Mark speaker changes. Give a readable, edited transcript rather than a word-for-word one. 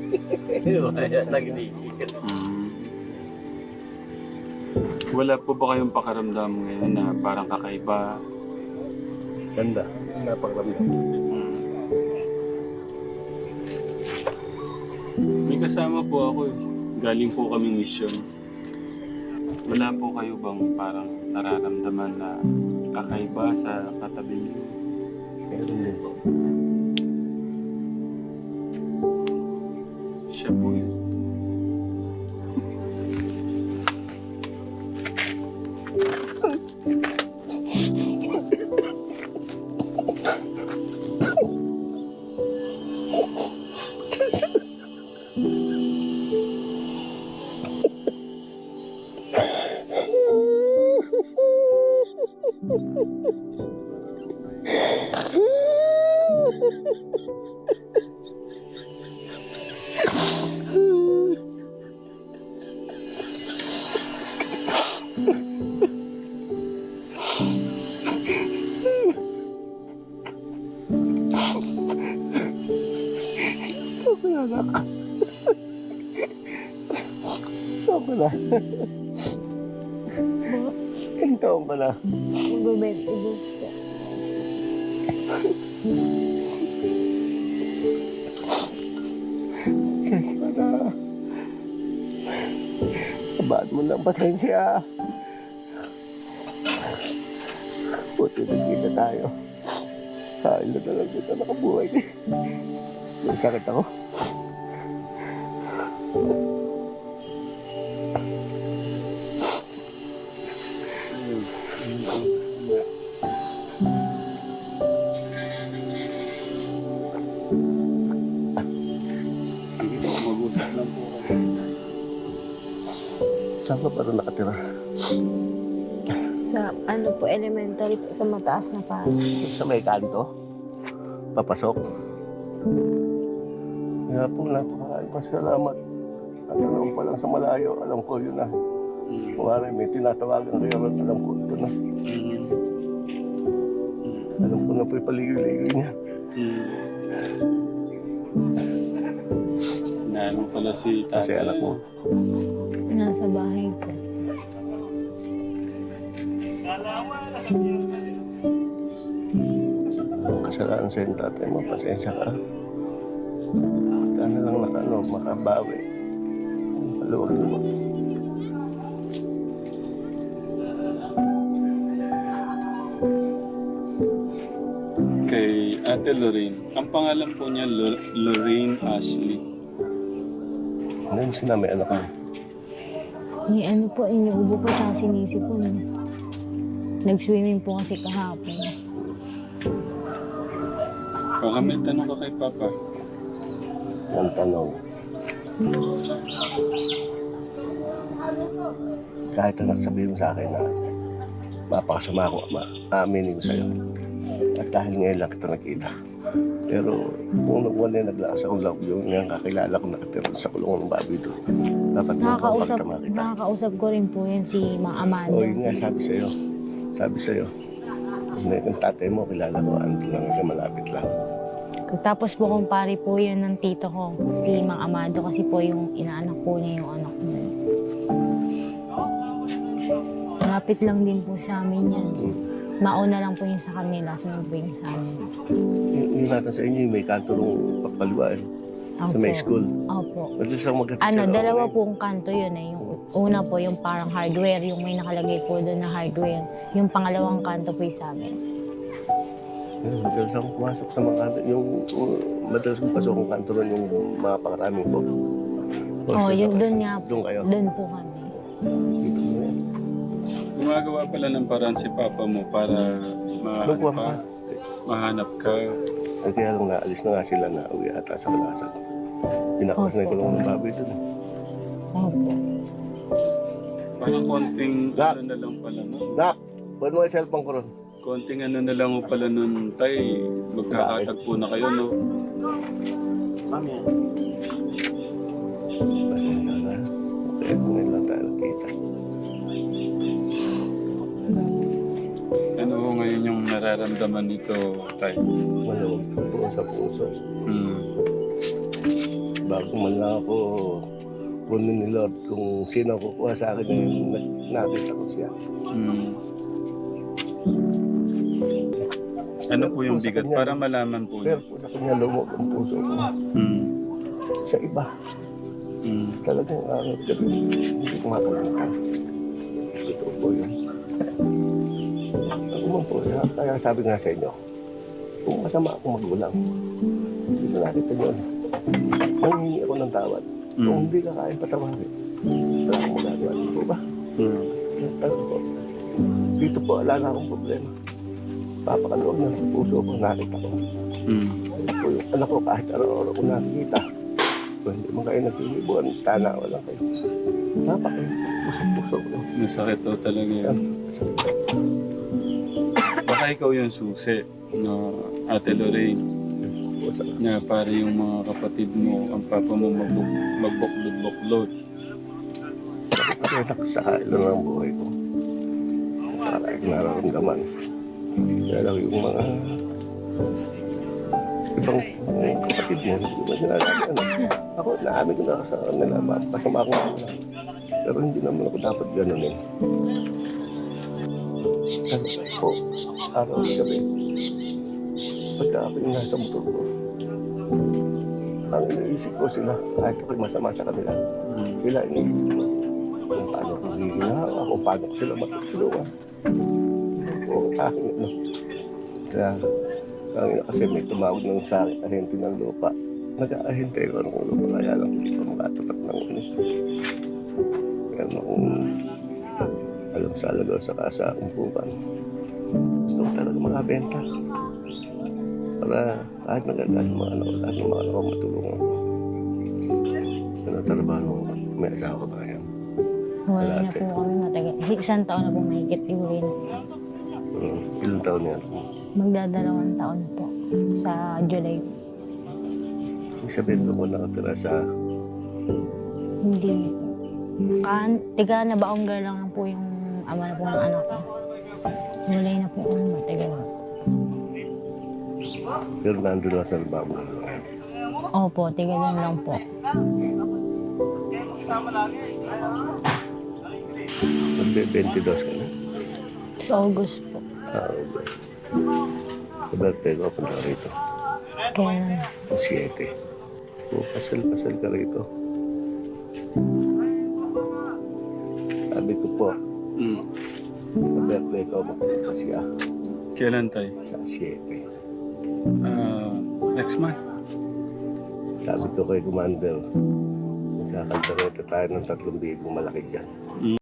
Speaker 1: Kaya nagigigil.
Speaker 2: Wala po ba kayong pakaramdam ngayon na parang kakaiba?
Speaker 1: Ganda. Napakaramdam.
Speaker 2: May kasama po ako eh. Galing po kaming mission. Wala po kayo bang parang nararamdaman na kakaiba sa katabi niyo?
Speaker 1: Meron din po.
Speaker 2: Siya po yun.
Speaker 1: Taon ka na. Ilang taon ka na?
Speaker 3: Mag-22 po.
Speaker 1: Sensya na. Abaan mo ng pasensya. Buti nagkita tayo. Kain na talaga dito nakabuhay. May sakit ako.
Speaker 2: Sige po, mag-usap lang po kayo.
Speaker 1: Saan ka pa rin nakatira?
Speaker 3: Sa ano po, elementary po, sa mataas na pa.
Speaker 1: Sa may kanto? Papasok? Kaya po, napakaraming pasalamat. At alam pa lang sa malayo, alam ko yun na. Kumari, may tinatawagan kayo at alam ko ito na. Alam ko na po yung paligoy-ligoy niya.
Speaker 2: Naano pala si tatay.
Speaker 1: Kasi anak mo.
Speaker 3: Nasa bahay po.
Speaker 1: Kasalanan sa yung tatay mo, pasensya ka. Sana lang makabawi. Maluwag naman.
Speaker 2: Kay Ate Lorraine. Ang pangalan po niya, Lorraine Ashley.
Speaker 1: Ano yung sinami anak mo?
Speaker 3: Yung ano po, inuubo po tsaka sinisi po. Nag-swimming po kasi kahapon.
Speaker 2: Baka may tanong ka kay Papa.
Speaker 1: Ang tanong. Kahit ano sabihin mo sa akin na mapakasama ako, aaminin ko sa'yo. At dahil ngayon lang kita nakita. Pero kung wala naglakas akong love yung kakilala ko nakatira sa kulungan ng baboy doon. Dapat mo papagtama kita.
Speaker 3: Nakakausap ko rin po yun si Mang Amado.
Speaker 1: O yun nga, sabi sa'yo. Yung tatay mo, kilala ko, ano lang ka malapit lang.
Speaker 3: Tapos po kumpare po yun ng tito ko, si Mang Amado, kasi po yung inaanak po niya yung anak niya. Malapit lang din po sa amin yan. Mauna lang po yung sa kanila, sunod po yung sa amin.
Speaker 1: Yung natin sa inyo, yung may kanto nung pagpaluan sa may school.
Speaker 3: Opo.
Speaker 1: Madalas ako magkatid
Speaker 3: Ano,
Speaker 1: sa
Speaker 3: dalawa
Speaker 1: loob.
Speaker 3: pong kanto yun eh. Yung una po yung parang hardware, yung may nakalagay po doon na hardware. Yung pangalawang kanto po yung sa amin.
Speaker 1: Madalas akong pumasok sa mga kanto. Madalas kong pasok ang kanto ron yung mga pangaraming po.
Speaker 3: Oh, yun doon nga po.
Speaker 1: Doon kayo?
Speaker 3: Doon po kami.
Speaker 1: Dito mo yan.
Speaker 2: Gumagawa pala ng paraan si Papa mo para
Speaker 1: Doon po ako ka.
Speaker 2: mahanap ka.
Speaker 1: Ay, kaya lang naalis na nga sila na uwi ata sa Kalasan. Pinakalas na yung kulungan ng baboy doon.
Speaker 3: Opo.
Speaker 2: Parang konting
Speaker 1: Dak.
Speaker 2: ano na lang pala nun.
Speaker 1: Nak! Buwan mo yung cellphone ko ron.
Speaker 2: Konting ano na lang pala nun, tay. Magkakatagpo na kayo, no?
Speaker 1: Mami. Pasensya na. Okay, ngayon lang tayo nakita.
Speaker 2: Ano ho ngayon yung nararamdaman nito, tay?
Speaker 1: Maluwag po sa puso. bago man lang ako kunin ni Lord kung sino ang kukuha sa akin yung nakita ko siya.
Speaker 2: Ano po yung bigat? Para malaman po
Speaker 1: Pero
Speaker 2: niyo.
Speaker 1: po sa kanya lumog ang puso ko. Sa iba, talagang araw gabi, hindi ko makalimutan. Totoo po yun. Ako man po, kaya sabi nga sa inyo, kung masama akong magulang, hindi ko nakita yun. Nangingi ako ng tawad. Kung hindi ka kaya patawarin, wala akong magagawa. Di po ba? Talaga po. Dito po, wala na akong problema. Papakaluwag na sa puso ko, nakita ko. Ako yung anak ko, kahit araw-araw ko nakikita. Kung hindi mo kayo nagtilibuan, tanawa lang kayo. Napak kayo, puso-puso ko.
Speaker 2: Masakit to talaga yun. Baka ikaw yung susi na Ate Lorraine. Na para yung mga kapatid mo, ang papa mo magbuklod-buklod.
Speaker 1: Kasi nakasakay lang ang buhay ko. Para yung nararamdaman. Kaya lang yung mga ibang kapatid mo, hindi ba sinasabi ano? Ako, naamin ko na sa kanila, masama akong mga. Pero hindi naman ako dapat ganunin. Ano po, araw at gabi, pagka ako yung nasa motor ko, ang iniisip ko sila, kahit ako'y masama sa kanila, sila iniisip ko kung paano ko giginawa, kung paano ko sila matutulungan. O aking ano. Kaya, kasi may tumawag ng sa akin, ahente ng lupa. Nag-ahente ko ng lupa, kaya lang hindi pa makatapat ng ano. Kaya akong alam sa alagaw sa kasa akong pupan. Gusto ko talaga makabenta. Para kahit nagagalit yung mga anak ko, lahat ng mga anak ko matulungan ko. Ano trabaho mo? May asawa ka ba yan?
Speaker 3: Wala na po kami matagal. Isang taon na po mahigit iuwi na.
Speaker 1: Ilang taon yan?
Speaker 3: Magdadalawang taon po sa July.
Speaker 1: Ibig sabihin ko nakatira sa
Speaker 3: Hindi po. Tiga na Baonggar lang po yung ama na po ng anak ko. July na po kami matagal.
Speaker 1: pero nandun lang sa lababo na lang.
Speaker 3: Opo, tiga doon lang po.
Speaker 1: Magbe-22 ka na?
Speaker 3: Sa August po.
Speaker 1: Okay. Sa birthday ko, punta ka rito.
Speaker 3: Kaya
Speaker 1: Ang 7. O, pasal-pasal ka rito. Sabi ko po, sa birthday ko, magpunta siya
Speaker 2: Kailan tayo?
Speaker 1: sa 7.
Speaker 2: Next month.
Speaker 1: Sabi ko kay Commander, magkakanta rito tayo ng 3,000 malaki dyan.